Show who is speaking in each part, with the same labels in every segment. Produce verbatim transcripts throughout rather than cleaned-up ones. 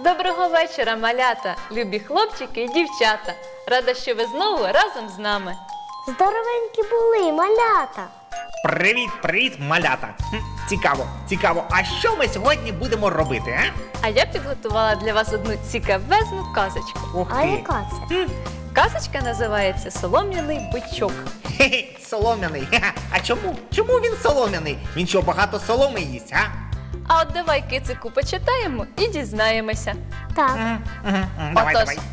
Speaker 1: Доброго вечора, малята, любі хлопчики і дівчата. Рада, що ви знову разом з нами.
Speaker 2: Здоровенькі були, малята.
Speaker 3: Привіт, привіт, малята! Хм, цікаво, цікаво, а що ми сьогодні будемо робити, а?
Speaker 1: А я підготувала для вас одну цікавезну казочку.
Speaker 3: Ух
Speaker 2: А
Speaker 3: ти!
Speaker 2: яка це?
Speaker 3: Хм,
Speaker 1: Казочка називається «Солом'яний бичок».
Speaker 3: хе-хе, солом'яний. Ха-ха. А чому? Чому він солом'яний? Він що, багато соломи їсть, а?
Speaker 1: А от давай, кицику, почитаємо і дізнаємося.
Speaker 2: Так.
Speaker 3: Мгм, мгм, мгм, Давай,
Speaker 1: Отож.
Speaker 3: давай.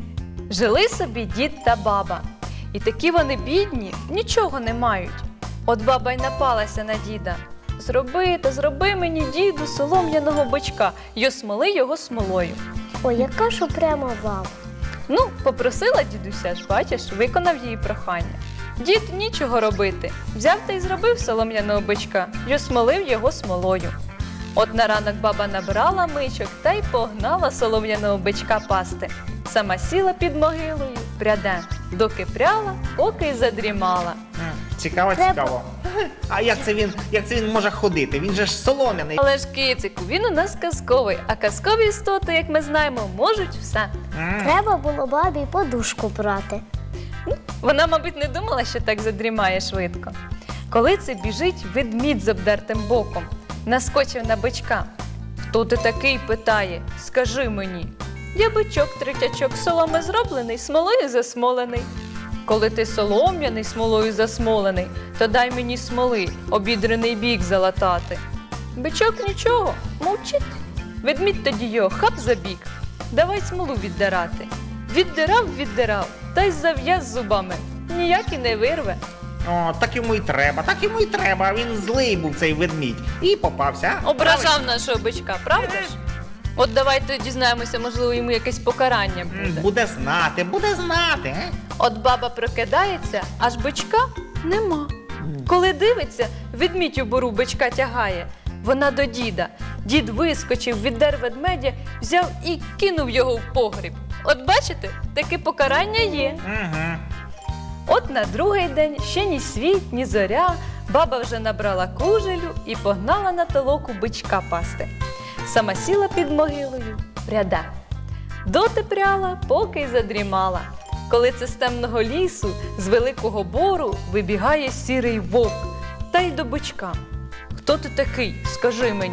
Speaker 1: Жили собі дід та баба. І такі вони бідні, нічого не мають. От баба й напалася на діда. Зроби та зроби мені, діду, солом'яного бичка й осмоли його смолою.
Speaker 2: Ой, яка ж упряма баба.
Speaker 1: Ну, попросила дідуся ж, бачиш, виконав її прохання. Дід нічого робити. Взяв та й зробив солом'яного бичка й осмолив його смолою. От на ранок баба набрала мичок та й погнала солом'яного бичка пасти. Сама сіла під могилою, пряде, доки пряла, поки й задрімала.
Speaker 3: М, Цікаво,
Speaker 2: Треба-
Speaker 3: цікаво. А як це він, як це він може ходити? Він же ж солом'яний.
Speaker 1: Але ж, кицику, він у нас казковий, а казкові істоти, як ми знаємо, можуть все.
Speaker 3: М,
Speaker 2: Треба було бабі подушку брати.
Speaker 1: Вона, мабуть, не думала, що так задрімає швидко. Коли це біжить ведмідь з обдертим боком, наскочив на бичка. «Хто ти такий?» – питає. «Скажи мені». «Я бичок, третячок, соломи зроблений, смолою засмолений». «Коли ти солом'яний, смолою засмолений, то дай мені смоли, обідрений бік залатати». Бичок нічого, мовчить. Ведмідь тоді його хап за бік. Давай смолу віддирати. Віддирав, віддирав, та й зав'яз зубами. Ніяк і не вирве.
Speaker 3: О, так йому й треба, так йому й треба. Він злий був цей ведмідь. І попався. а?
Speaker 1: Ображав нашого бичка, правда ж? От давайте дізнаємося, можливо, йому якесь покарання
Speaker 3: М,
Speaker 1: буде.
Speaker 3: Буде знати, буде знати. е?
Speaker 1: От баба прокидається, аж бичка нема. Коли дивиться, ведмідь у бору бичка тягає. Вона до діда. Дід вискочив, віддер ведмедя, взяв і кинув його в погріб. От бачите, таке покарання є.
Speaker 3: Угу.
Speaker 1: От на другий день ще ні світ, ні зоря, баба вже набрала кужелю і погнала на толоку бичка пасти. Сама сіла під могилою, пряда. Доти пряла, поки й задрімала. Коли це з темного лісу, з великого бору вибігає сірий вовк, та й до бичка. «Хто ти такий? Скажи мені».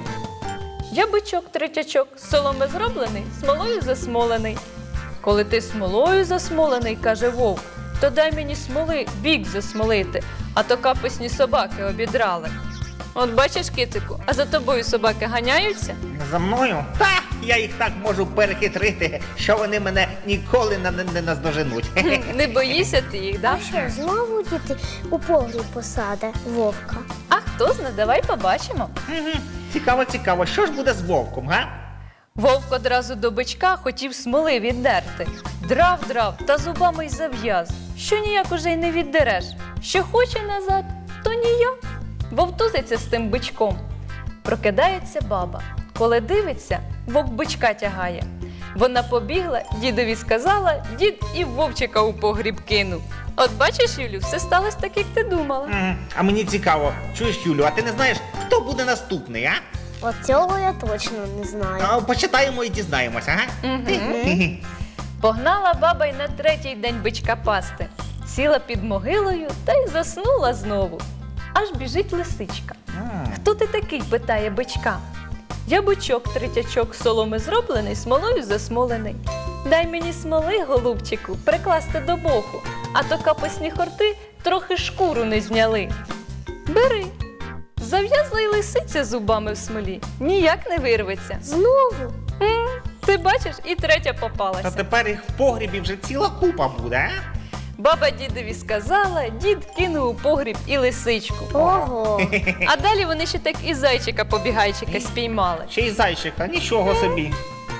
Speaker 1: «Я бичок, третячок, з соломи зроблений, смолою засмолений». «Коли ти смолою засмолений, – каже вовк, – то дай мені смоли бік засмолити, а то капусні собаки обідрали». От бачиш, кицику, а за тобою собаки ганяються?
Speaker 3: За мною? Та, я їх так можу перехитрити, що вони мене ніколи не, не, не наздоженуть.
Speaker 1: Хм, Не боїшся ти їх, да?
Speaker 2: А що, знову діти у погріб посаде вовка?
Speaker 1: А хто зна, давай побачимо.
Speaker 3: Мгм. Цікаво, цікаво, що ж буде з вовком, га?
Speaker 1: Вовк одразу до бичка хотів смоли віддерти. Драв, драв, та зубами й зав'яз. Що ніяк уже й не віддереш. Що хоче назад, то ніяк. Вовтузиться з тим бичком. Прокидається баба. Коли дивиться, вовк бичка тягає. Вона побігла, дідові сказала, дід і вовчика у погріб кинув. От бачиш, Юлю, все сталося так, як ти думала.
Speaker 3: Мгм. А мені цікаво, чуєш, Юлю, а ти не знаєш, хто буде наступний, а?
Speaker 2: От цього я точно не знаю.
Speaker 3: а почитаємо і дізнаємося, ага?
Speaker 1: Мгм. Погнала баба й на третій день бичка пасти. Сіла під могилою та й заснула знову. Аж біжить лисичка.
Speaker 3: М.
Speaker 1: «Хто ти такий?» – питає бичка. «Я бичок, третячок, соломи зроблений, смолою засмолений. Дай мені смоли, голубчику, прикласти до боку, а то капусні хорти трохи шкуру не зняли». «Бери». Зав'язла й лисиця зубами в смолі, ніяк не вирветься.
Speaker 2: Знову?
Speaker 1: М, Ти бачиш, і третя
Speaker 3: Та
Speaker 1: попалася.
Speaker 3: тепер їх в погрібі вже ціла купа буде, а?
Speaker 1: Баба дідові сказала, дід кинув у погріб і лисичку.
Speaker 2: Ого.
Speaker 1: А далі вони ще так і зайчика-побігайчика спіймали.
Speaker 3: Ще й зайчика, нічого собі.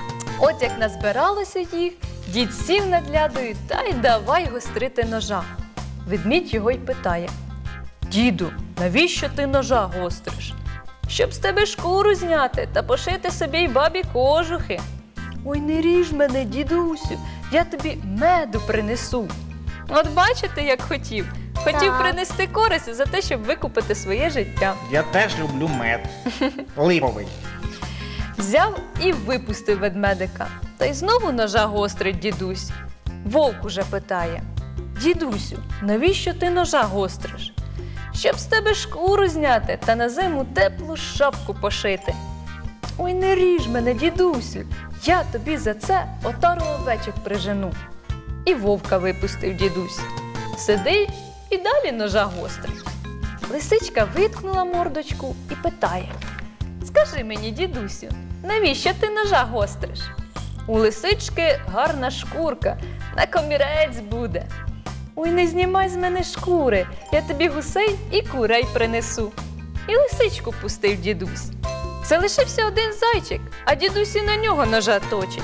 Speaker 1: От як назбиралося їх, дід сів над лядою та й давай гострити ножа. Ведмідь його й питає: «Діду, навіщо ти ножа гостриш?» «Щоб з тебе шкуру зняти та пошити собі й бабі кожухи». «Ой, не ріж мене, дідусю, я тобі меду принесу». От бачите, як хотів. Хотів
Speaker 2: Так.
Speaker 1: принести користь за те, щоб викупити своє життя.
Speaker 3: Я теж люблю мед. Липовий.
Speaker 1: Взяв і випустив ведмедика. Та й знову ножа гострить дідусь. Вовк уже питає: дідусю, навіщо ти ножа гостриш? Щоб з тебе шкуру зняти та на зиму теплу шапку пошити. Ой, не ріж мене, дідусю, я тобі за це отару овечок прижену. І вовка випустив дідусь. Сидить і далі ножа гострить. Лисичка виткнула мордочку і питає: скажи мені, дідусю, навіщо ти ножа гостриш? У лисички гарна шкурка, на комірець буде. Ой, не знімай з мене шкури, я тобі гусей і курей принесу. І лисичку пустив дідусь. Залишився один зайчик, а дідусь і на нього ножа точить.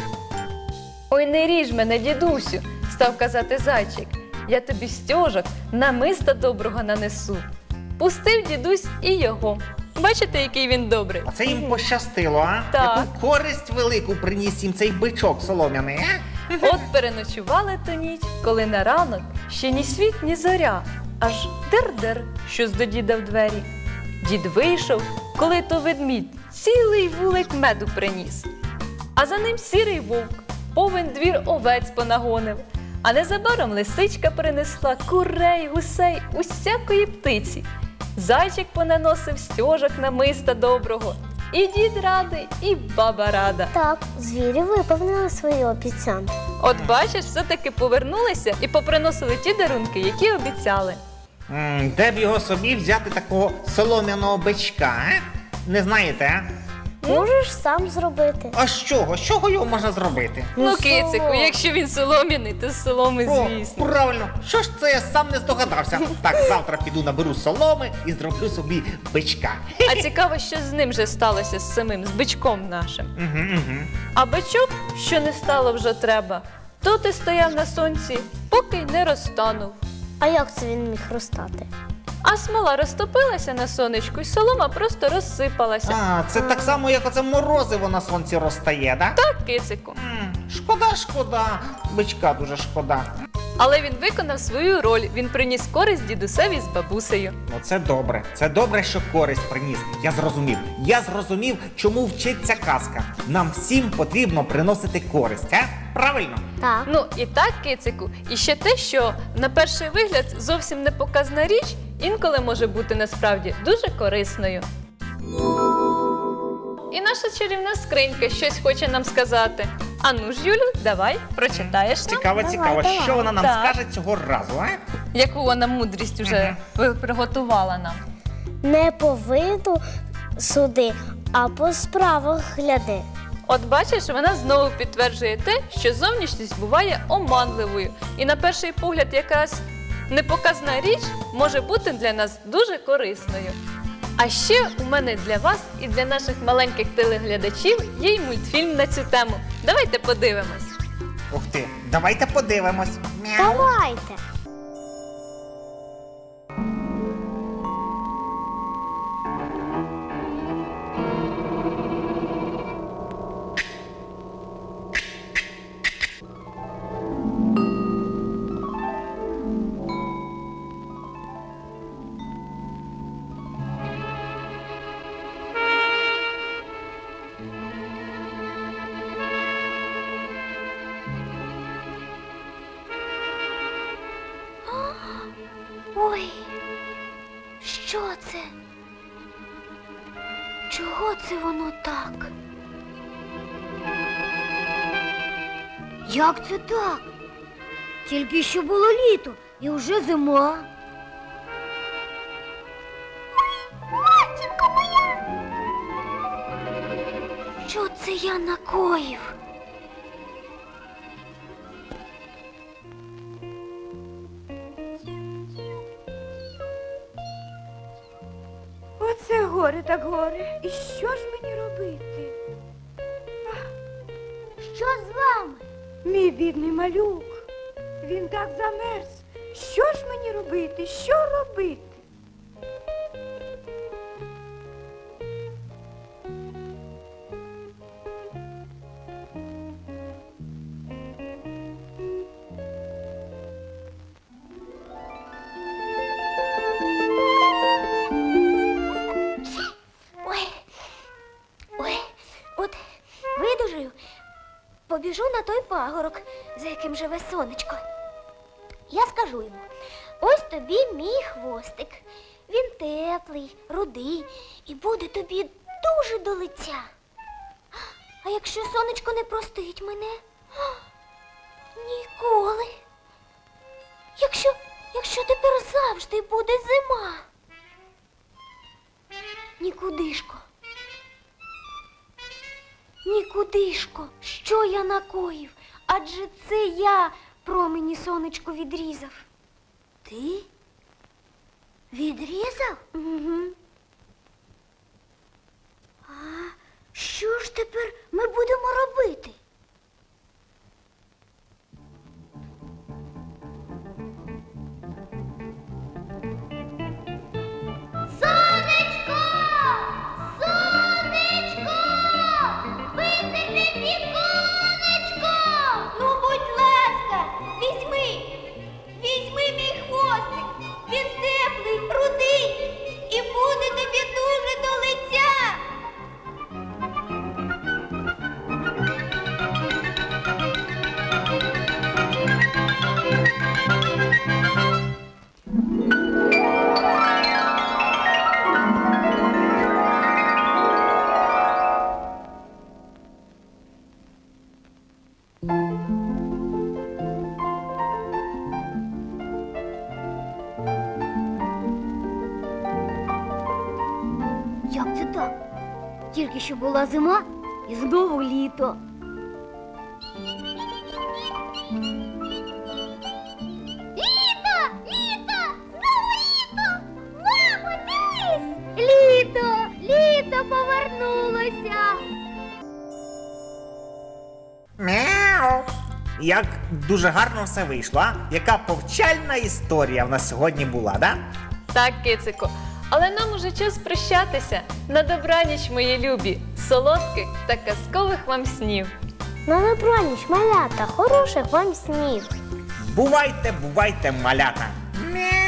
Speaker 1: Ой, не ріж мене, дідусю, став казати зайчик, я тобі стьожок намиста доброго нанесу. Пустив дідусь і його. Бачите, який він добрий?
Speaker 3: Оце їм пощастило, а?
Speaker 1: Так.
Speaker 3: Яку користь велику приніс їм цей бичок солом'яний, а?
Speaker 1: От переночували ту ніч, коли на ранок ще ні світ, ні зоря, аж дер-дер, щось до діда в двері. Дід вийшов, коли то ведмідь цілий вулик меду приніс. А за ним сірий вовк, повен двір овець понагонив. А незабаром лисичка принесла курей, гусей, усякої птиці. Зайчик понаносив стьожок намиста доброго. І дід радий, і баба рада.
Speaker 2: Так, звірі виповнили свої обіцянки.
Speaker 1: От бачиш, все-таки повернулися і поприносили ті дарунки, які обіцяли.
Speaker 3: М, Де б його собі взяти такого солом'яного бичка, а? Не знаєте, а?
Speaker 2: Можеш сам зробити.
Speaker 3: А з чого? З чого його можна зробити?
Speaker 1: Ну,
Speaker 2: Ну,
Speaker 1: кицику,
Speaker 2: солом.
Speaker 1: якщо він солом'яний, то з соломи,
Speaker 3: О,
Speaker 1: звісно.
Speaker 3: правильно, що ж це я сам не здогадався? Так, завтра піду наберу соломи і зроблю собі бичка.
Speaker 1: А цікаво, що з ним же сталося з самим, з бичком нашим.
Speaker 3: Угу, угу.
Speaker 1: А бичок, що не стало вже треба, тут і стояв на сонці, поки й не розтанув.
Speaker 2: А як це він міг розстати?
Speaker 1: А смола розтопилася на сонечку, і солома просто розсипалася.
Speaker 3: А, це так само, як оце морозиво на сонці розтає, да?
Speaker 1: Так, кицику.
Speaker 3: М, Шкода, шкода. Бичка дуже шкода.
Speaker 1: Але він виконав свою роль, він приніс користь дідусеві з бабусею.
Speaker 3: Ну це добре. Це добре, що користь приніс. Я зрозумів. Я зрозумів, чому вчиться казка. Нам всім потрібно приносити користь, а? Правильно?
Speaker 2: Так.
Speaker 1: Ну і так, кицику, і ще те, що на перший вигляд зовсім не показна річ, інколи може бути насправді дуже корисною. І наша чарівна скринька щось хоче нам сказати. Ану ж, Юлю, давай, прочитаєш нам,
Speaker 3: Цікаво,
Speaker 2: Давай,
Speaker 3: цікаво,
Speaker 2: давай.
Speaker 3: що вона нам
Speaker 1: Так.
Speaker 3: скаже цього разу, а?
Speaker 1: яку вона мудрість уже ви- приготувала нам.
Speaker 2: Не по виду суди, а по справах гляди.
Speaker 1: От бачиш, вона знову підтверджує те, що зовнішність буває оманливою. І на перший погляд якась непоказна річ може бути для нас дуже корисною. А ще у мене для вас і для наших маленьких телеглядачів є й мультфільм на цю тему. Давайте подивимось.
Speaker 3: Ух ти, давайте подивимось. Мяу.
Speaker 2: Давайте. Ой, що це? Чого це воно так?
Speaker 4: Як це так? Тільки що було літо і вже зима.
Speaker 2: Матінко моя! Що це я накоїв?
Speaker 5: Оце горе так горе. І що ж мені робити?
Speaker 4: Що з вами?
Speaker 5: Мій бідний малюк. Він так замерз. Що ж мені робити? Що робити?
Speaker 2: Ой, ой, от
Speaker 6: побіжу на той пагорок, за яким живе сонечко. Я скажу йому: ось тобі мій хвостик. Він теплий, рудий і буде тобі дуже до лиця. А якщо сонечко не простить мене? Ніколи. Якщо, якщо тепер завжди буде зима. Нікудишко. Нікудишко, що я накоїв? Адже це я промені сонечко відрізав. Ти? Відрізав? Угу. А що ж тепер ми будемо робити? Сонечко! Сонечко! Висипи віконечко! Ну, будь ласка, візьми, візьми мій хвостик. Він теплий, рудий і буде тобі дуже до лиця. Як це так? Тільки що була зима і знову літо. Літо! Літо! Знову літо! Мамо, дивись! Літо! Літо повернулося!
Speaker 3: Мяу. Як дуже гарно все вийшло, а? Яка повчальна історія в нас сьогодні була, да?
Speaker 1: Так, кицику. Але нам уже час прощатися. На добраніч, мої любі, солодких та казкових вам снів.
Speaker 2: На добраніч, малята, хороших вам снів.
Speaker 3: Бувайте, бувайте, малята. Мяу.